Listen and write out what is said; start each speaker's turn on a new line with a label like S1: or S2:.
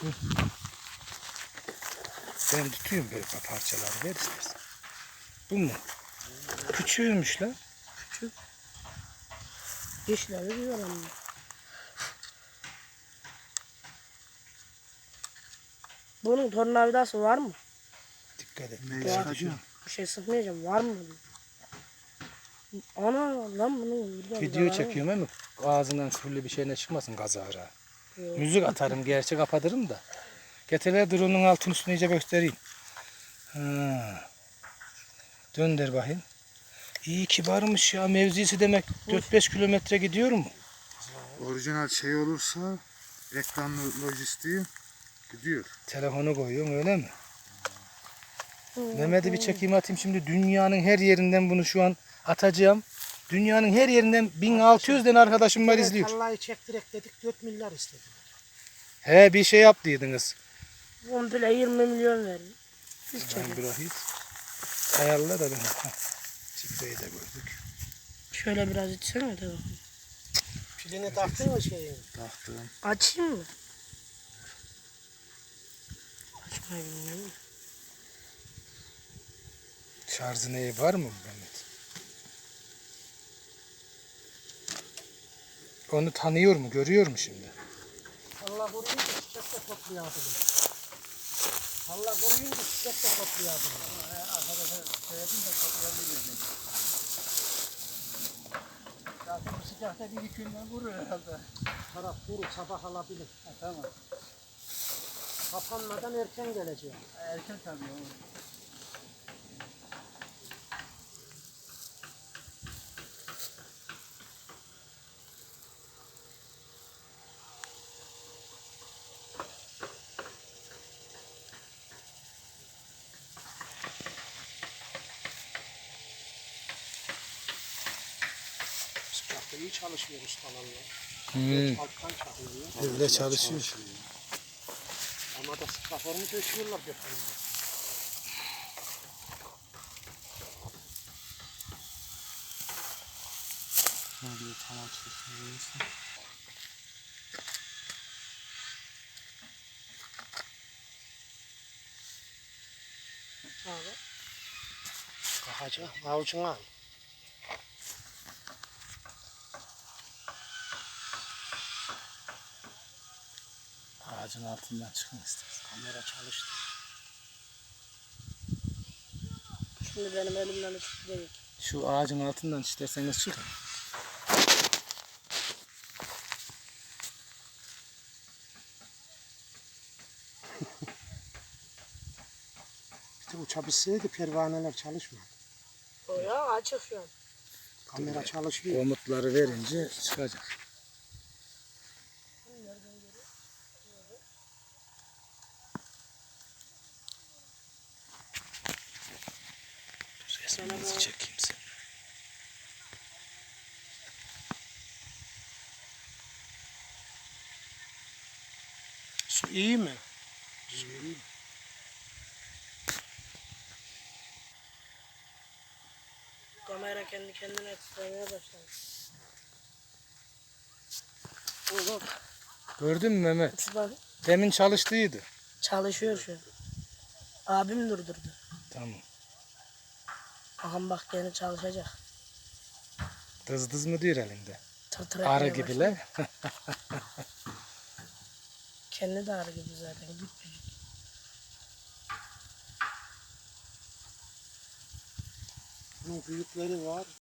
S1: Ben tutuyorum böyle parçaları, ver istersen. Bu mu? Küçüğümüş lan.
S2: Küçük. Dişleri diyor ama. Bunun tornavidası var mı?
S1: Dikkat et.
S3: Ne
S1: Daha
S3: çıkacak?
S2: Bir şey sıkmayacağım. Var mı? Ana lan bunu
S1: Video çekiyorum ama ağzından küfürlü bir şeyine çıkmasın kazara.
S2: Yok.
S1: Müzik atarım, gerçek kapatırım da. Getirler drone'un altın üstünü iyice göstereyim. Ha. Dönder bakayım. İyi kibarmış ya, mevzisi demek 4-5 kilometre gidiyor mu?
S3: Orijinal şey olursa ekranlı lojistiği gidiyor.
S1: Telefonu koyuyorsun öyle mi? Mehmet'i bir çekeyim atayım şimdi, dünyanın her yerinden bunu şu an atacağım. Dünyanın her yerinden 1600 tane arkadaşım var izliyor.
S4: Vallahi çektirek dedik 4 milyar istediler.
S1: He, bir şey yaptıydınız.
S2: Komple 20 milyon verin. Biz
S1: Ben
S2: çekelim.
S1: bırakayım. Ayarla da ben. Çiftliği de gördük.
S2: Şöyle biraz içsene de.
S4: Pilini taktın mı şeyin?
S3: Taktım.
S2: Açayım mı? Açmayı bilmiyorum.
S1: Şarjı neyi var mı Mehmet? Onu tanıyor mu, görüyor mu şimdi?
S4: Allah koruyunca çiçek de toplayalım. Allah koruyunca çiçek de toplayalım. Arkadaşlar söyledim de toplayabilirim. Zaten bu sıcakta bir iki günden vurur herhalde. Taraf kuru, sabah alabilir. Tamam. Kapanmadan erken geleceğim. Erken tabii. Sıcakta iyi çalışmıyor ustalarla. Alttan çakılıyor.
S1: Öyle çalışıyor.
S4: Ama da sıkaformu döşüyorlar götürüyorlar.
S3: Şimdi tam açılsın.
S4: Abi. Kalkacak. Avucuna al.
S1: Ağacın altından çıkın istersen.
S4: Kamera çalıştı.
S2: Şimdi benim elimden tutacak.
S1: Şu ağacın altından isterseniz çıkın.
S4: Bir de uçabilseydi pervaneler çalışmadı.
S2: O ya açık şu an.
S4: Kamera çalışıyor.
S1: Komutları verince çıkacak. Dur, resminizi çekeyim sen.
S4: Su iyi mi?
S2: Kamera kendi kendine titremeye başladı.
S1: Gördün mü Mehmet?
S2: Şu bak
S1: Demin çalıştıydı.
S2: çalışıyor şu an. Abim durdurdu.
S1: Tamam.
S2: Aham bak gene çalışacak.
S1: Dız dız mı diyor elinde?
S2: Tır tır
S1: Arı
S2: etmeye
S1: gibiler.
S2: başladı. Kendi de arı gibi zaten. Küçücük.
S4: Bunun büyükleri var.